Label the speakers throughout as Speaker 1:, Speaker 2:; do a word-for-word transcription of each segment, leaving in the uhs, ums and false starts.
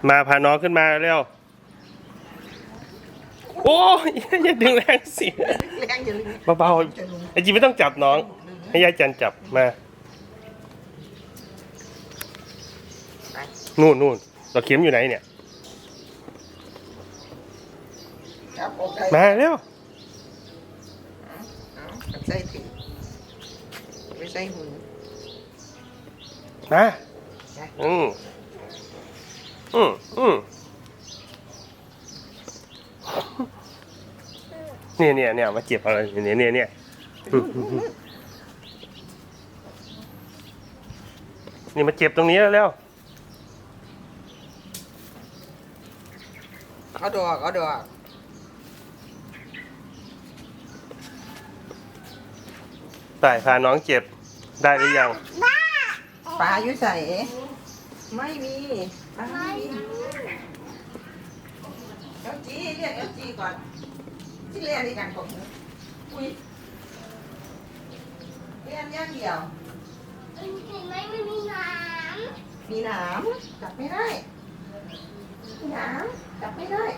Speaker 1: มาพาน้องขึ้นมาเร็วโอ้ยอย่าดึงแรงสิเบาๆไอจีไม่ต้องจับน้องให้ยายจันจับมานู่นนู่นเราเข็มอยู่ไหนเนี่ยมาเร็ว
Speaker 2: ใส่ถึงไม่ใส่หู
Speaker 1: มาอืมอืมอืมเนี่ยเนี่ยเนี่ยมาเจ็บอะไรเนี่ยเนี่ยเนี่ยนี่มาเจ็บตรงนี้แล้ว
Speaker 2: เอาดอกเอาดอก
Speaker 1: ตายพาน้องเจ็บได้หรือยัง
Speaker 2: ปลาอยู่ใส่ไม่มีปลาไม่มีเอลจีเรียกเอลจีก่อนที่เรียนในการผมอุ้ยเรียนย่างเดียว
Speaker 3: เห็นไหมมันมีน้ำ
Speaker 2: มีน้ำจับไม่ได้มีน้ำจับไม่ได้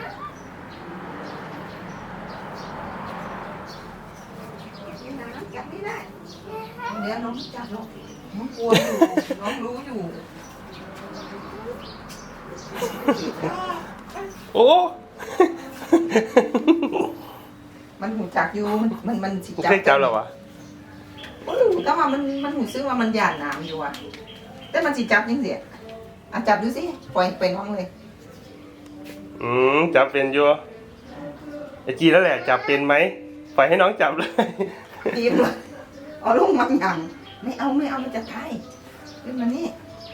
Speaker 2: มีน้ำจับไม่ได้เดี๋ยวน้องจับน้องน้องกลัวอยู่น้องรู้อยู่
Speaker 1: โอ้
Speaker 2: มันหูจักอยู่มันมันสิ
Speaker 1: จับจับหรอวะ
Speaker 2: ก็ว่ามันมันหูซื้อว่ามันหยาดน้ำอยู่อ่ะแต่มันสิจับยังเสียอ่ะจับดูสิปล่อยเป็นห้องเลย
Speaker 1: อืมจับเป็นอยู่ไอจีแล้วแหละจับเป็นไหมปล่อยให้น้องจับเลย
Speaker 2: ดีเลยเอาลูกมันยังไม่เอาไม่เอามันจะตายขึ้นมานี่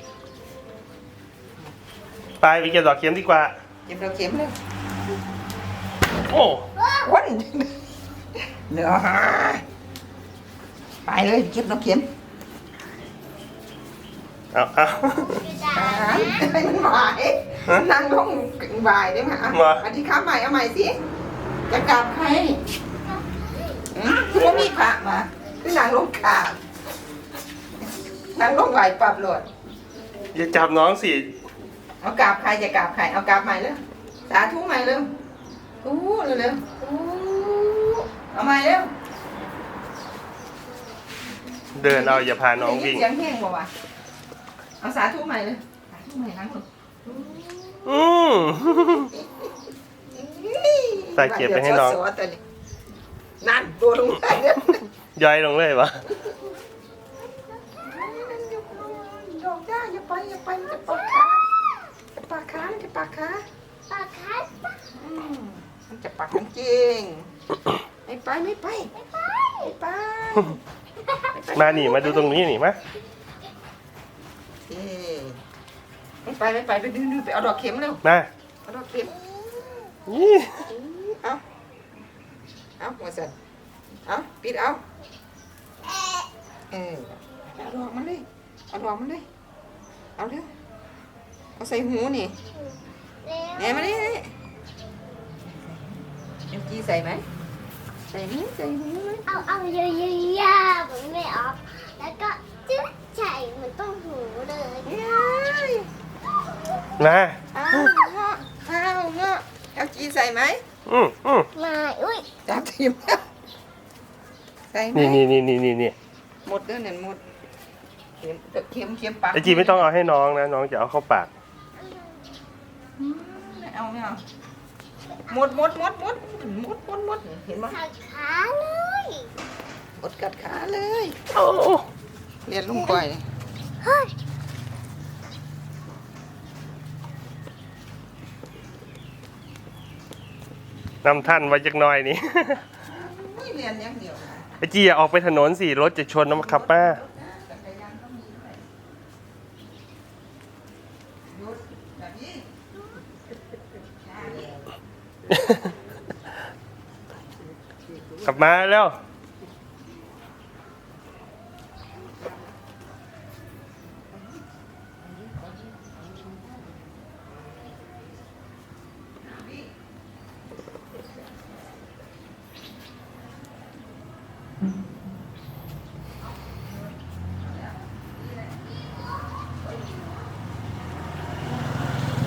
Speaker 1: ไปไปเก็บดอกเข็มดีกว่า
Speaker 2: เก็บดอกเข็มเลย
Speaker 1: โอ้
Speaker 2: วันเดี๋ยวไปเลยเก็บดอกเข็ม
Speaker 1: เอาเอา
Speaker 2: ให้มันหวายนั่งลงหวายได้ไหมอ่ะอธิค้าใหม่เอาใหม่สิจะกราบใครคือว่ามีพระมาคือนางลงกราบนางลงไหวปรับโหลด
Speaker 1: อย่าจับน้องสิ
Speaker 2: เอากราบใครจะกราบใครเอากราบใหม่เลยสาธุใหม่เลยอู้เร็วเร็วอู้เอาใหม่เร็ว
Speaker 1: เดินเอาอย่าพาน้องวิ่ง
Speaker 2: เสียงแห้งบ่วะเอาสาธุใหม่เลยสาธุใหม่นั่งลง
Speaker 1: อืมใส่เก็บไปให้น้อง
Speaker 2: นั่นตัวลงไป
Speaker 1: ย่อยลงเลยวะ
Speaker 2: ดอกจ้าอย่าไปอย่าไปจะปากขาจะปากขาจะปากขา
Speaker 3: ปากคัส
Speaker 2: มันจะปากจริงไม่ไปไม่ไปไม่ไปไม่ไป
Speaker 1: มาหนิมาดูตรงนี้หนิมา
Speaker 2: ไม่ไปไม่ไปไปดื้อไปเอาดอกเข็มเร็ว
Speaker 1: มา
Speaker 2: เอาดอกเข็ม
Speaker 1: นี่
Speaker 2: เอาเอาหัวสั่นเอาปิดเอาเออเอาดอกมันเลยเอาดอกมันเลยเอาเร็วเอาใส่หูนี่เนี่ยมาดิเอ็มจีใส่ไหมใส่หูใส่หูเลย
Speaker 3: เอาเอาเยอะๆๆมันไม่ออกแล้วก็จึ๊กใส่เหมือนต้องหูเลย
Speaker 1: มา
Speaker 2: เอาเงาะเอาเงาะเอ็มจีใส่ไหม
Speaker 1: อืมอืม
Speaker 3: มาอุ้ย
Speaker 2: จับทีมใส่ไหม
Speaker 1: นี่นี่นี่นี่นี่
Speaker 2: หมดเด้อเนี่ยหมดเข็มเข็มเข็มปาก
Speaker 1: ไอจีไม่ต้องเอาให้น้องนะน้องจะเอาเข้าปาก
Speaker 2: ไม่เอาไม่เอาหมดหมดหมดหมดหมดหมดหมดเห็นไหม
Speaker 3: กัดขาเลย
Speaker 2: หมดกัดขาเลย
Speaker 1: โอ้
Speaker 2: เรียนลุงก่อย
Speaker 3: เฮ้ย
Speaker 1: นำท่านไว้จักหน่อยนี่
Speaker 2: เรียนอย่างเดียว
Speaker 1: ไอจีอย่าออกไปถนนสิรถจะชนนะครับป้าขับมาแล้ว